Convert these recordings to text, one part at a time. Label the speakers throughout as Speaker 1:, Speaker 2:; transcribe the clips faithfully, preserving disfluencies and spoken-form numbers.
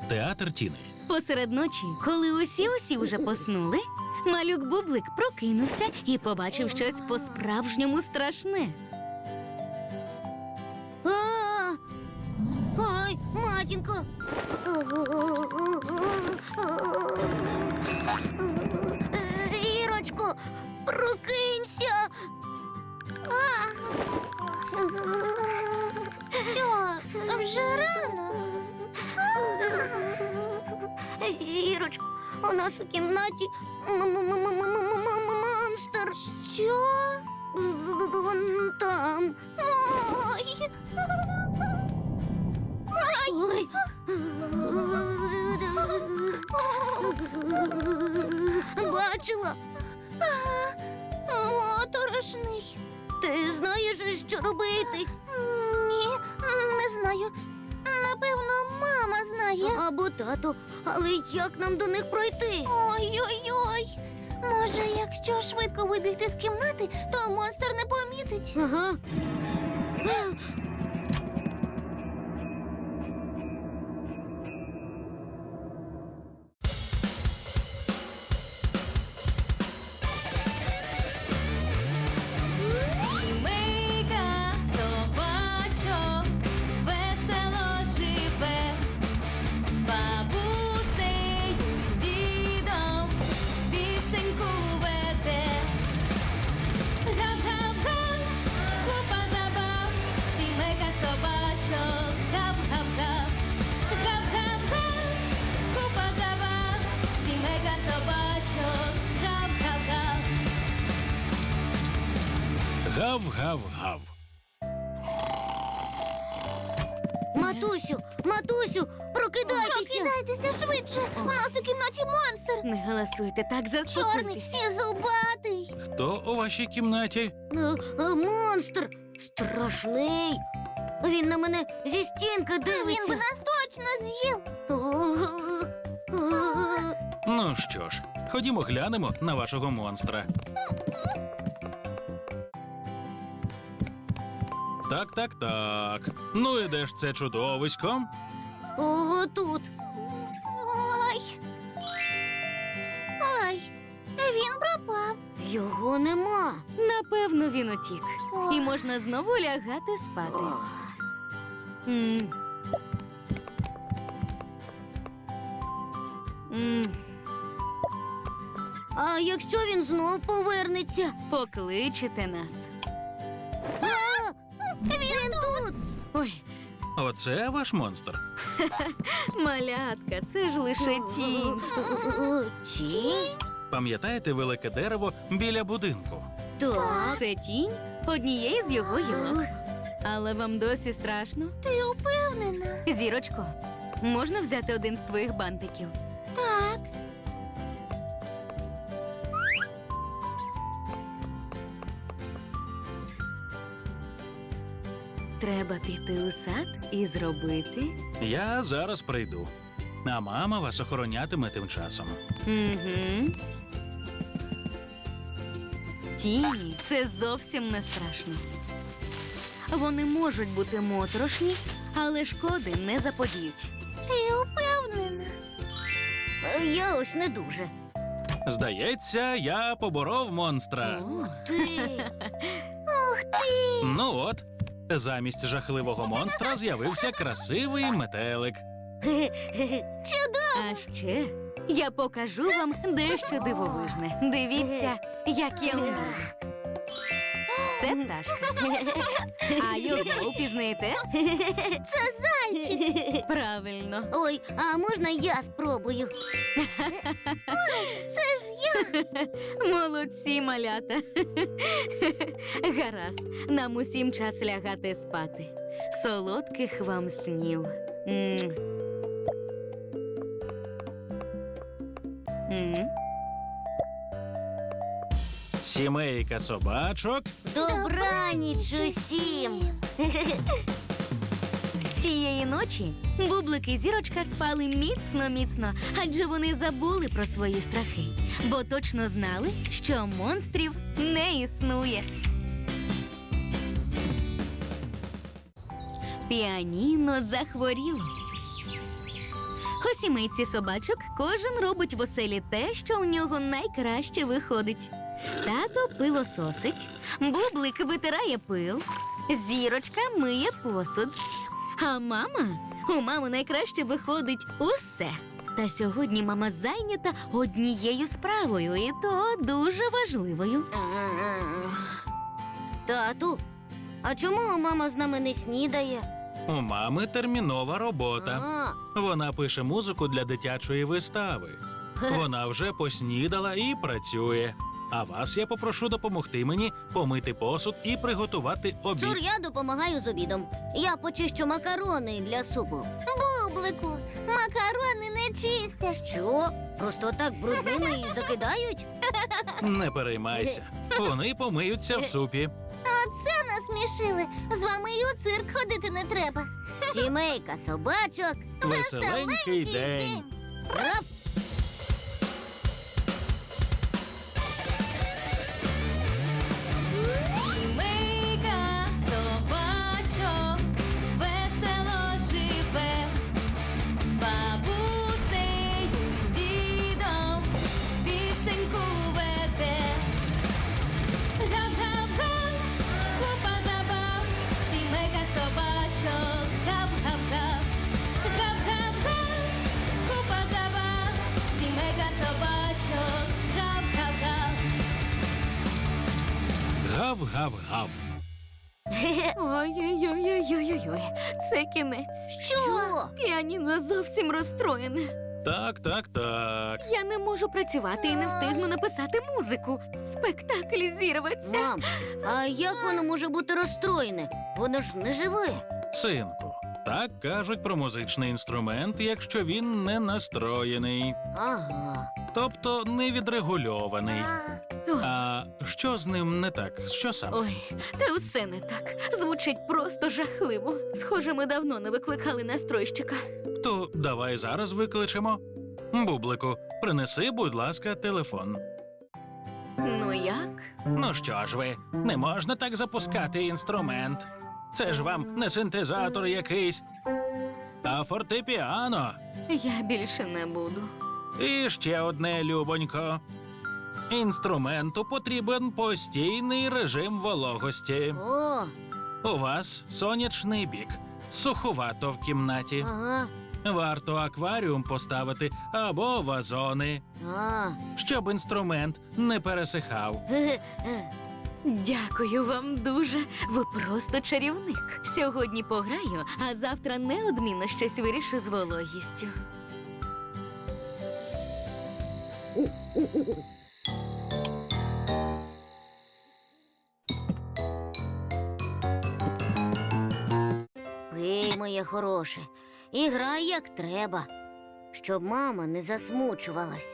Speaker 1: Театр Тіни.
Speaker 2: Посеред ночі, коли усі-усі вже поснули, малюк Бублик прокинувся і побачив щось по-справжньому страшне.
Speaker 3: А! Ой, матінко! Зірочко, прокинься! Що, вже рано? Зірочко, у нас у кімнаті монстр. Що? Вон там. Ой. Ой. Бачила? Моторошний. Ти знаєш, що робити? Ні, не знаю. Напевно, мама знає. Або тато. Але як нам до них пройти? Ой-ой-ой. Може, якщо швидко вибігти з кімнати, то монстр не помітить. Ага.
Speaker 2: Сімейка собачок весело живе, з бабусею, з дідом пісеньку веде. Гав-гав-га, купа забав, сімейка собачок, гав-гав-гав. Гав-гав-га, купа забав, сімейка собачок, гав-гав-гав.
Speaker 1: Гав-гав-гав.
Speaker 3: Матусю, матусю, прокидайтеся. Прокидайтеся швидше. У нас у кімнаті монстр.
Speaker 2: Не галасуйте, так
Speaker 3: Чорний
Speaker 2: заспокойтесь.
Speaker 3: і зубатий.
Speaker 1: Хто у вашій кімнаті?
Speaker 3: Е, е, Монстр страшний. Він на мене зі стінки дивиться. Він би нас точно з'їв.
Speaker 1: Ну що ж, ходімо глянемо на вашого монстра. Так, так, так. Ну і де ж це чудовисько?
Speaker 3: Ого, тут. Ой. Ой, він пропав. Його нема.
Speaker 2: Напевно, він утік.
Speaker 3: Ох.
Speaker 2: І можна знову лягати спати.
Speaker 3: Ох.
Speaker 2: М. М.
Speaker 3: А якщо він знов повернеться?
Speaker 2: Покличете нас.
Speaker 3: А! Він тут.
Speaker 2: Ой,
Speaker 1: Оце ваш монстр.
Speaker 2: малятка, це ж лише тінь.
Speaker 3: Тінь?
Speaker 1: Пам'ятаєте велике дерево біля будинку?
Speaker 3: Так.
Speaker 2: Це тінь однієї з його гілок. Але вам досі страшно?
Speaker 3: Ти упевнена?
Speaker 2: Зірочко, можна взяти один з твоїх бантиків?
Speaker 3: Так.
Speaker 2: Треба піти у сад і зробити.
Speaker 1: Я зараз прийду. А мама вас охоронятиме тим часом.
Speaker 2: Угу. Тіні – це зовсім не страшно. Вони можуть бути моторошні, але шкоди не заподіють.
Speaker 3: Ти упевнена? Я ось не дуже.
Speaker 1: Здається, я поборов монстра.
Speaker 3: Ти. Ух ти!
Speaker 1: Ну от, замість жахливого монстра з'явився красивий метелик.
Speaker 3: Чудово!
Speaker 2: А ще я покажу вам дещо дивовижне. Дивіться, як я вмію. Це пташка. А його впізнаєте?
Speaker 3: Це зайчик.
Speaker 2: Правильно.
Speaker 3: Ой, а можна я спробую? Це ж я.
Speaker 2: Молодці, малята. Гаразд, нам усім час лягати спати. Солодких вам снів. М. М.
Speaker 1: Сімейка собачок.
Speaker 3: Добраніч усім.
Speaker 2: Тієї ночі Бублик і Зірочка спали міцно-міцно, адже вони забули про свої страхи, бо точно знали, що монстрів не існує. Піаніно захворіло. У сімейці собачок кожен робить в оселі те, що у нього найкраще виходить. Тато пилососить, Бублик витирає пил, Зірочка миє посуд. А мама? У мами найкраще виходить усе. Та сьогодні мама зайнята однією справою, і то дуже важливою.
Speaker 3: Тату, а чому мама з нами не снідає?
Speaker 1: У мами термінова робота.
Speaker 3: А,
Speaker 1: Вона пише музику для дитячої вистави. Вона вже поснідала і працює. А вас я попрошу допомогти мені помити посуд і приготувати обід.
Speaker 3: Цур, я допомагаю з обідом. Я почищу макарони для супу. Бублику, макарони не чистять. Що? Просто так брудними і закидають?
Speaker 1: Не переймайся. Вони помиються в супі.
Speaker 3: Оце насмішили. З вами і у цирк ходити не треба. Сімейка собачок.
Speaker 1: Веселенький день.
Speaker 3: Раф!
Speaker 2: Сімейка собачок весело живе, з бабусею, з дідом пісеньку веде. Гап-гап-га, купа забав, сімейка собачок, гап-гап-га. Гап-гап-га, купа забав, сімейка собачок, гап-гап-га.
Speaker 1: Гав-гав-гав.
Speaker 2: Ой-ой-ой-ой-ой-ой, це кінець.
Speaker 3: Що?
Speaker 2: Піаніно зовсім розстроєне.
Speaker 1: Так, так, так.
Speaker 2: Я не можу працювати і не встигну написати музику. Спектакль зірветься.
Speaker 3: Мам, а як воно може бути розстроєне? Воно ж не живе.
Speaker 1: Синку, так кажуть про музичний інструмент, якщо він не настроєний,
Speaker 3: Ага.
Speaker 1: тобто не відрегульований.
Speaker 2: Ой,
Speaker 1: А що з ним не так? Що саме?
Speaker 2: ой, та все не так. Звучить просто жахливо. Схоже, ми давно не викликали настройщика.
Speaker 1: То давай зараз викличемо. Бублику, принеси, будь ласка, телефон.
Speaker 2: Ну як?
Speaker 1: Ну що ж ви, не можна так запускати інструмент. Це ж вам не синтезатор якийсь, а фортепіано.
Speaker 2: Я більше не буду.
Speaker 1: І ще одне, любонько. Інструменту потрібен постійний режим вологості.
Speaker 3: О,
Speaker 1: У вас сонячний бік, суховато в кімнаті.
Speaker 3: ага.
Speaker 1: Варто акваріум поставити або вазони,
Speaker 3: А.
Speaker 1: щоб інструмент не пересихав.
Speaker 3: Ге-ге.
Speaker 2: Дякую вам дуже. Ви просто чарівник. Сьогодні пограю, а завтра неодмінно щось вирішу з вологістю.
Speaker 3: Пий, моє хороше, і грай як треба, щоб мама не засмучувалась.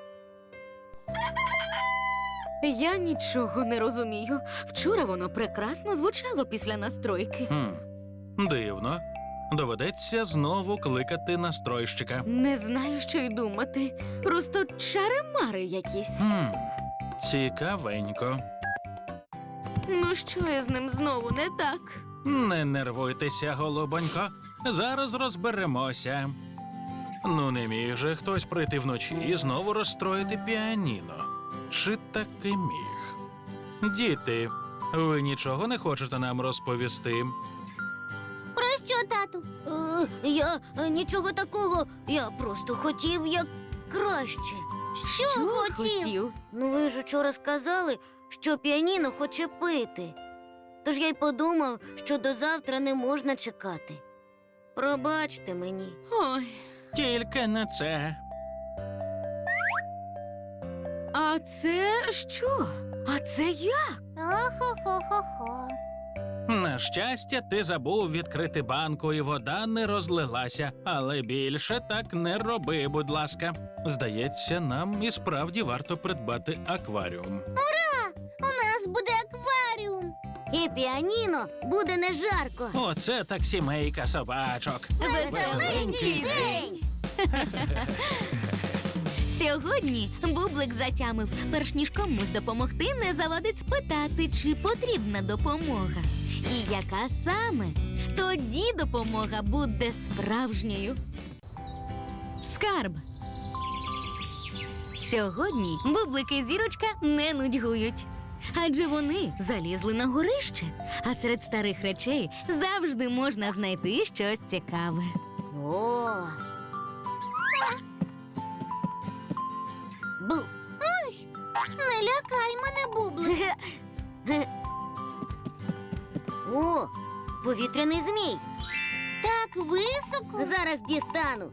Speaker 2: Я нічого не розумію. Вчора воно прекрасно звучало після настройки.
Speaker 1: Хм, дивно. Доведеться знову кликати настройщика.
Speaker 2: Не знаю, що й думати. Просто чари-мари якісь.
Speaker 1: Хм, цікавенько.
Speaker 2: Ну що я з ним знову не так?
Speaker 1: Не нервуйтеся, голубонько. Зараз розберемося. Ну, не міг же хтось прийти вночі і знову розстроїти піаніно. Чи таки міг? Діти, ви нічого не хочете нам розповісти?
Speaker 3: Про що, тату? Е, я е, нічого такого. Я просто хотів як краще. Що, хотів? Ну, ви ж учора сказали, що піаніно хоче пити. Тож я й подумав, що до завтра не можна чекати. Пробачте мені.
Speaker 2: Ой,
Speaker 1: Тільки не це.
Speaker 2: а це що? А це як?
Speaker 3: Охо-хо-хо-хо.
Speaker 1: На щастя, ти забув відкрити банку, і вода не розлилася. Але більше так не роби, будь ласка. Здається, нам і справді варто придбати акваріум.
Speaker 3: У нас буде акваріум. І піаніно буде не жарко.
Speaker 1: Оце так сімейка собачок.
Speaker 2: Веселенький день! Сьогодні Бублик затямив, перш ніж комусь допомогти, не завадить спитати, чи потрібна допомога. І яка саме? Тоді допомога буде справжньою. Скарб. Сьогодні Бублик і Зірочка не нудьгують. Адже вони залізли на горище, а серед старих речей завжди можна знайти щось цікаве.
Speaker 3: О. Бу. Ой, не лякай мене, Бублик. О, повітряний змій. Так високо. Зараз дістану.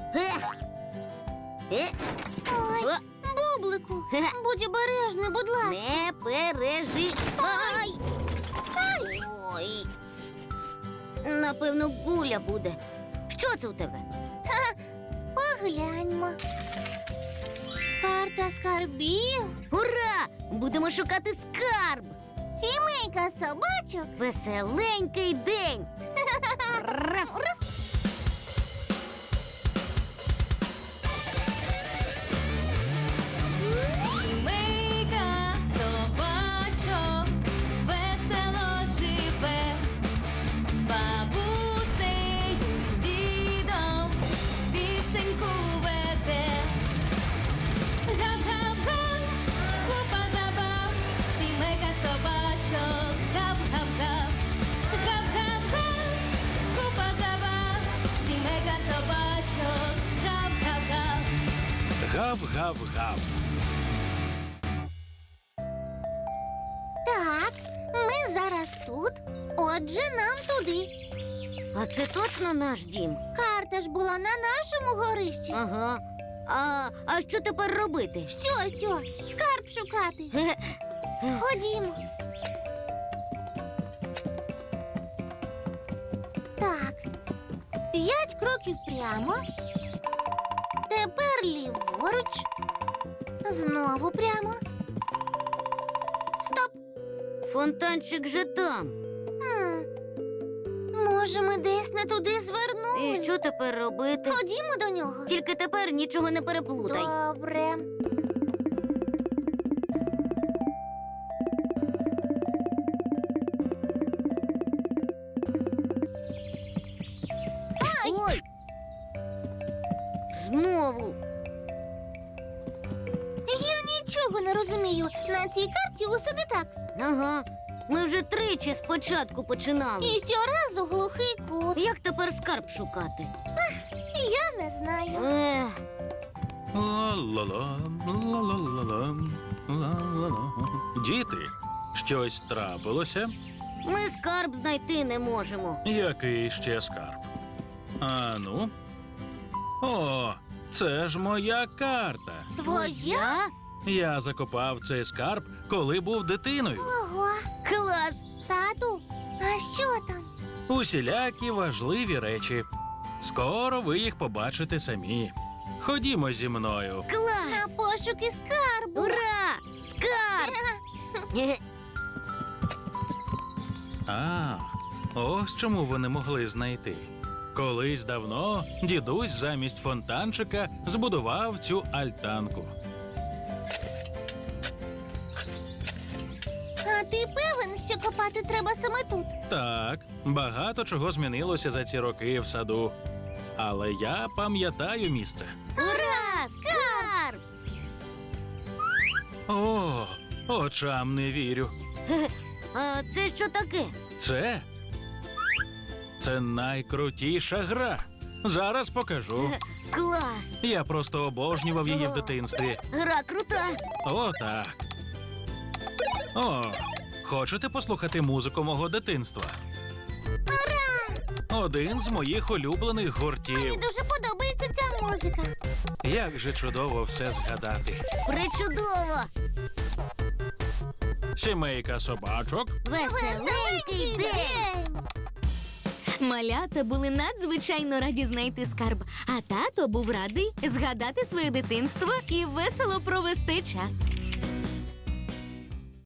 Speaker 3: Ой, Бублику, будь обережний, будь ласка. Не пережи. Ай! Ай! Ой. Напевно, гуля буде. Що це у тебе? Ха, погляньмо. Карта скарбів. Ура! Будемо шукати скарб. Сімейка собачок. Веселенький день. Раф. Раф.
Speaker 2: Сімейка собачок весело живе, з бабусею, з дідом пісеньку веде. Гап-гап-га, купа забав, сімейка собачок, гап-гап-га. Гап-гап-га, купа забав, сімейка собачок, гап-гап-га.
Speaker 1: Гав-гав-гав.
Speaker 3: Так, ми зараз тут, отже, нам туди. А це точно наш дім? Карта ж була на нашому горищі. Ага. А, а що тепер робити? Що, що? Скарб шукати. Ходімо. Так. П'ять кроків прямо. Тепер ліворуч. Знову прямо. Стоп! Фонтанчик же там. Хм. Може, ми десь не туди звернули? І що тепер робити? Ходімо до нього. Тільки тепер нічого не переплутай. Добре. Ай! Ой! Знову. Я нічого не розумію. На цій карті усе не так. Ага. Ми вже тричі спочатку починали. І щоразу глухий кут. Як тепер скарб шукати? Я не знаю. Ех.
Speaker 1: Ла-ла-ла, ла-ла-ла-ла, ла-ла-ла. Діти, щось трапилося?
Speaker 3: Ми скарб знайти не можемо.
Speaker 1: Який ще скарб? А ну? О, це ж моя карта.
Speaker 3: Твоя?
Speaker 1: Я закопав цей скарб, коли був дитиною.
Speaker 3: Ого. Клас. Тату, а що там?
Speaker 1: Усілякі важливі речі. Скоро ви їх побачите самі. Ходімо зі мною.
Speaker 3: Клас. На пошуки скарбу. Ура! Скарб!
Speaker 1: А, ось чому вони могли знайти. Колись давно дідусь замість фонтанчика збудував цю альтанку.
Speaker 3: А ти певен, що копати треба саме тут?
Speaker 1: Так, багато чого змінилося за ці роки в саду. Але я пам'ятаю місце.
Speaker 3: Ура! Скарб!
Speaker 1: О, очам не вірю.
Speaker 3: А це що таке?
Speaker 1: Це? Це найкрутіша гра. Зараз покажу.
Speaker 3: Клас!
Speaker 1: Я просто обожнював її в дитинстві.
Speaker 3: Гра крута!
Speaker 1: О, так. О, хочете послухати музику мого дитинства?
Speaker 3: Ура!
Speaker 1: Один з моїх улюблених
Speaker 3: Мені
Speaker 1: гуртів.
Speaker 3: дуже подобається ця музика.
Speaker 1: Як же чудово все згадати.
Speaker 3: Причудово!
Speaker 1: Сімейка собачок.
Speaker 3: Веселенький день!
Speaker 2: Малята були надзвичайно раді знайти скарб, а тато був радий згадати своє дитинство і весело провести час.